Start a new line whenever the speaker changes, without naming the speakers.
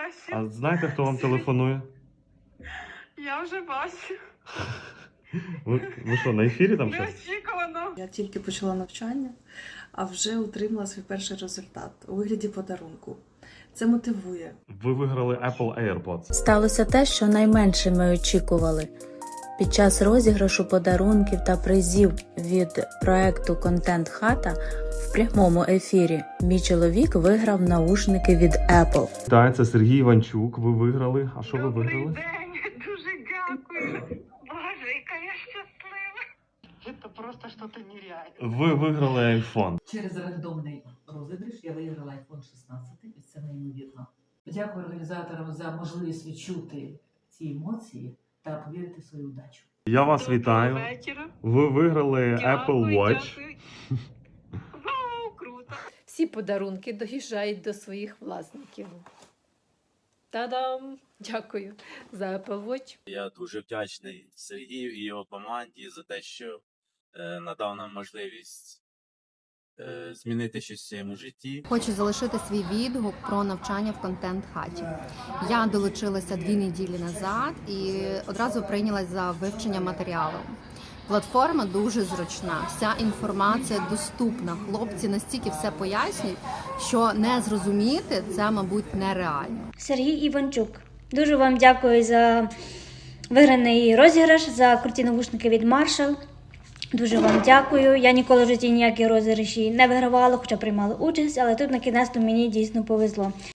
бачу.
А знаєте, хто вам телефонує?
Я вже бачу.
Ви що, на ефірі там щось?
Неочікувано.
Я тільки почала навчання, а вже отримала свій перший результат у вигляді подарунку. Це мотивує.
Ви виграли Apple AirPods.
Сталося те, що найменше ми очікували. Під час розіграшу подарунків та призів від проекту «Контент Хата» в прямому ефірі мій чоловік виграв наушники від Apple.
Так, це Сергій Іванчук. Ви виграли. А що ви
Добрий
виграли?
день, дуже дякую. Боже, яка я щаслива. Це просто щось нереальне.
Ви виграли iPhone.
Через рандомний розіграш я виграла iPhone 16, і це неймовірно. Дякую організаторам за можливість відчути ці емоції та повірити в свою удачу.
Я вас вітаю.
Вечора.
Ви виграли Apple Watch.
Дякую. Вау, круто.
Всі подарунки доїжджають до своїх власників. Та-дам! Дякую за Apple Watch.
Я дуже вдячний Сергію і його команді за те, що надав нам можливість змінити щось в своєму житті.
Хочу залишити свій відгук про навчання в контент-хаті. Я долучилася 2 неділі назад і одразу прийнялась за вивчення матеріалу. Платформа дуже зручна, вся інформація доступна. Хлопці настільки все пояснюють, що не зрозуміти це, мабуть, нереально.
Сергій Іванчук. Дуже вам дякую за виграний розіграш, за круті навушники від Marshall. Дуже вам дякую. Я ніколи в житті ніякі розіграші не вигравала, хоча приймала участь, але тут на кінець мені дійсно повезло.